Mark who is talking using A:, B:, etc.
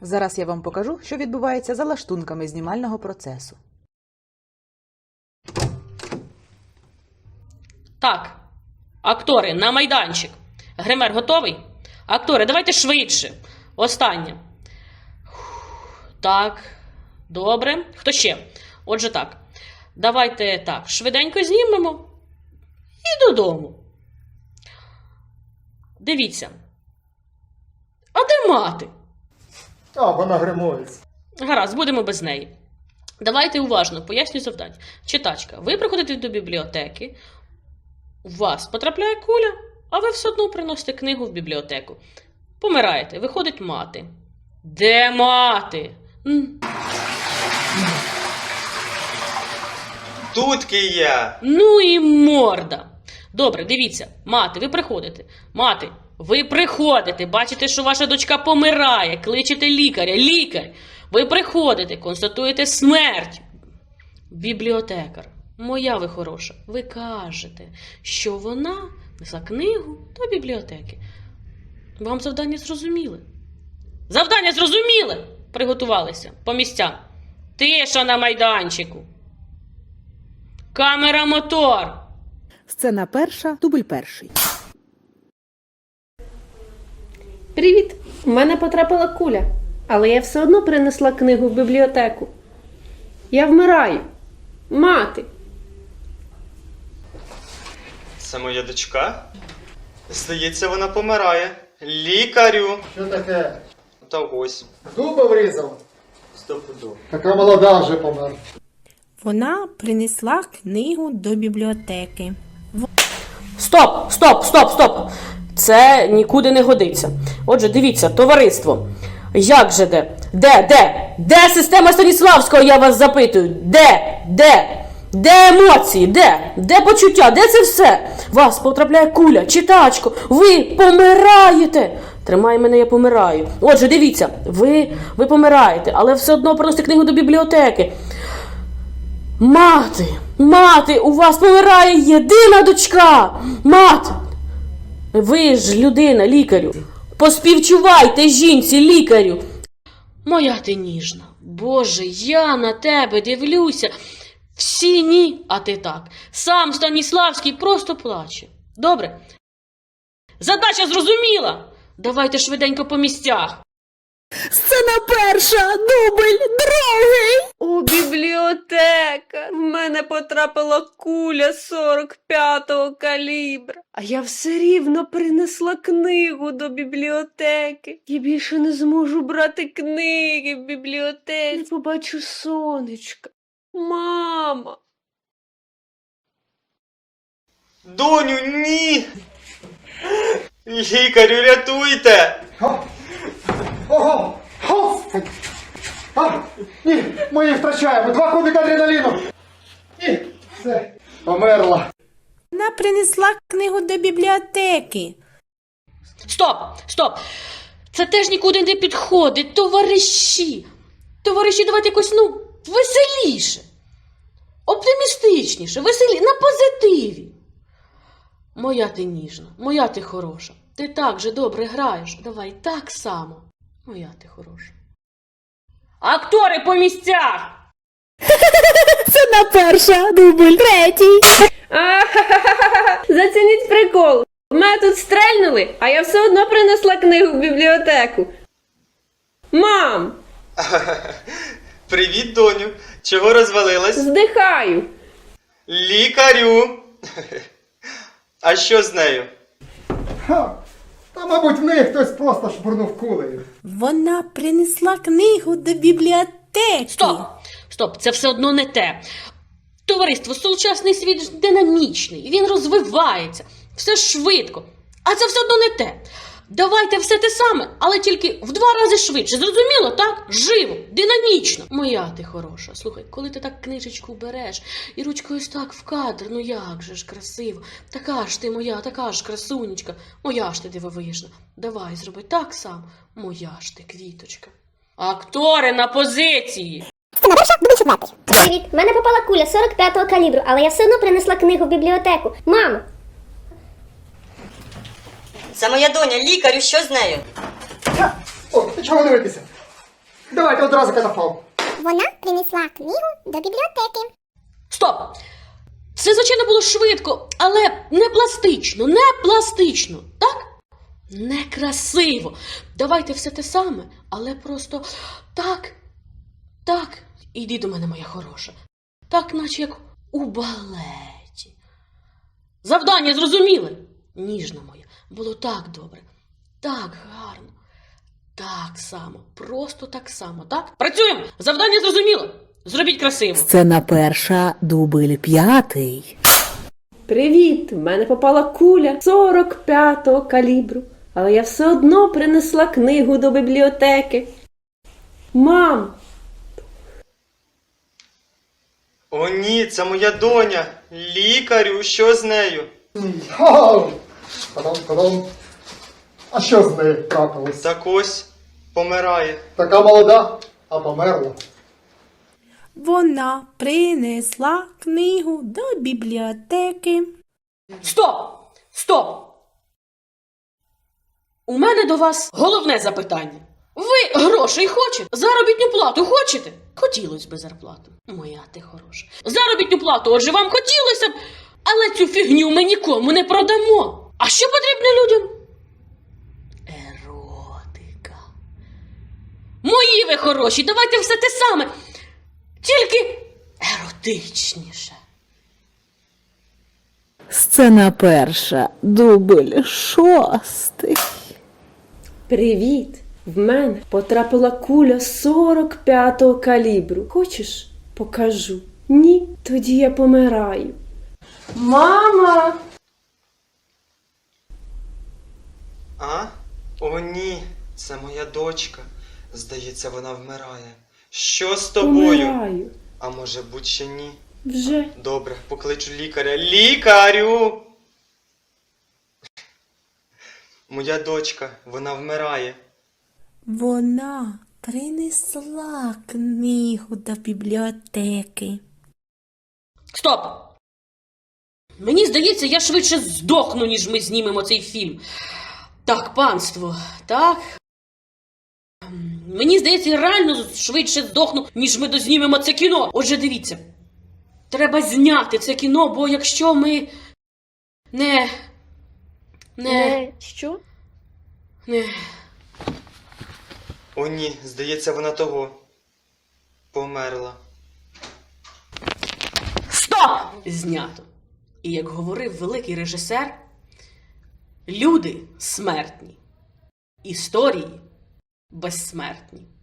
A: Зараз я вам покажу, що відбувається за лаштунками знімального процесу.
B: Так, актори, на майданчик. Гример готовий? Актори, давайте швидше. Останнє. Так, добре. Хто ще? Отже так. Давайте так, швиденько знімемо і додому. Дивіться. А де мати?
C: А, вона гримується.
B: Гаразд, будемо без неї. Давайте уважно поясню завдання. Читачка, ви приходите до бібліотеки, у вас потрапляє куля, а ви все одно приносите книгу в бібліотеку. Помираєте, виходить мати. Де мати?
D: Тут я.
B: Ну і морда. Добре, дивіться, мати, ви приходите. Мати, ви приходите, бачите, що ваша дочка помирає, кличете лікаря, лікар. Ви приходите, констатуєте смерть. Бібліотекар, моя ви хороша, ви кажете, що вона несла книгу до бібліотеки. Вам завдання зрозуміли? Завдання зрозуміли? Приготувалися по місцям. Тиша на майданчику. Камера, мотор.
A: Сцена перша, дубль перший.
E: Привіт! У мене потрапила куля, але я все одно принесла книгу в бібліотеку. Я вмираю. Мати!
D: Це моя дочка? Здається, вона помирає. Лікарю.
C: Що таке?
D: Та ось.
C: Дуба врізав?
D: Стопудово.
C: Така молода вже помер.
F: Вона принесла книгу до бібліотеки.
B: Стоп, стоп, стоп, стоп. Це нікуди не годиться. Отже, дивіться, товариство. Як же де? Де система Станіславського, я вас запитую? Де емоції? Де почуття? Де це все? Вас потрапляє куля, читачко, ви помираєте. Тримай мене, я помираю. Отже, дивіться, ви помираєте, але все одно приносите книгу до бібліотеки. Мати, у вас помирає єдина дочка. Мати, ви ж людина, лікарю. Поспівчувайте жінці, лікарю. Моя ти ніжна. Боже, я на тебе дивлюся. Всі ні, а ти так. Сам Станіславський просто плаче. Добре? Задача зрозуміла. Давайте швиденько по місцях.
F: Сцена перша, дубль другий.
E: О, бібліотека! В мене потрапила куля 45-го калібра. А я все рівно принесла книгу до бібліотеки. Я більше не зможу брати книги в бібліотеці. Не побачу сонечка. Мама!
D: Доню, ні! Лікарю, рятуйте!
C: Ого! Господи! А, ні, ми її втрачаємо. 2 кубика адреналіну. І все, померла.
F: Вона принесла книгу до бібліотеки.
B: Стоп! Це теж нікуди не підходить, товариші. Товариші, давайте якось, веселіше. Оптимістичніше, на позитиві. Моя ти ніжна, моя ти хороша. Ти так же добре граєш. Давай так само. Моя ти хороша. Актори по місцях!
F: Сцена перша, дубль третій.
E: Зацініть прикол. Мене тут стрельнули, а я все одно принесла книгу в бібліотеку. Мам!
D: Привіт, доню. Чого розвалилась?
E: Здихаю.
D: Лікарю. А що з нею?
C: Та, мабуть, в неї хтось просто шпурнув кулею.
F: Вона принесла книгу до бібліотеки.
B: Стоп, це все одно не те. Товариство, сучасний світ динамічний, він розвивається, все швидко. А це все одно не те. Давайте все те саме, але тільки в 2 рази швидше. Зрозуміло, так? Живо, динамічно. Моя ти хороша. Слухай, коли ти так книжечку береш і ручкою ось так в кадр, як же ж красиво. Така ж ти моя, така ж красунечка. Моя ж ти дивовижна. Давай, зроби так само. Моя ж ти квіточка. Актори на позиції.
G: Сцена перша, дубль четвертий. Привіт, в мене попала куля 45-го калібру, але я все одно принесла книгу в бібліотеку. Мамо!
H: Це моя доня, лікарю, що з нею?
C: О, ти чого дивитися? Давайте одразу катафалк.
G: Вона принесла книгу до бібліотеки.
B: Стоп! Все, звичайно, було швидко, але не пластично, не пластично, так? Некрасиво. Давайте все те саме, але просто так. Іди до мене, моя хороша. Так, наче як у балеті. Завдання зрозуміли? Ніжна моя, було так добре, так гарно, так само, просто так само, так? Працюємо! Завдання зрозуміло. Зробіть красиво.
H: Сцена перша, дубль 5.
E: Привіт! В мене попала куля 45-го калібру, але я все одно принесла книгу до бібліотеки. Мам!
D: О ні, це моя доня. Лікарю, що з нею?
C: Ха! Та-дам. А що з нею трапилось?
D: Так ось помирає.
C: Така молода, а померла.
F: Вона принесла книгу до бібліотеки.
B: Стоп! У мене до вас головне запитання. Ви грошей хочете? Заробітну плату хочете? Хотілося б зарплату. Моя ти хороша. Заробітну плату, отже, вам хотілося б, але цю фігню ми нікому не продамо. А що потрібно людям? Еротика. Мої ви хороші, давайте все те саме. Тільки еротичніше.
H: Сцена перша, дубль 6.
E: Привіт! В мене потрапила куля 45-го калібру. Хочеш, покажу? Ні? Тоді я помираю. Мама!
D: А? О ні, це моя дочка. Здається, вона вмирає. Що з тобою?
E: Помираю.
D: А може будь ще ні?
E: Вже.
D: Добре, покличу лікаря. Лікарю! Моя дочка, вона вмирає.
F: Вона принесла книгу до бібліотеки.
B: Стоп! Мені здається, я швидше здохну, ніж ми знімемо цей фільм. Так, панство, так. Мені здається, я реально швидше здохну, ніж ми дознімемо це кіно. Отже, дивіться. Треба зняти це кіно, бо якщо ми не...
E: Що?
D: О ні, здається, вона того. Померла.
B: Стоп! Знято. І як говорив великий режисер, люди смертні, історії безсмертні.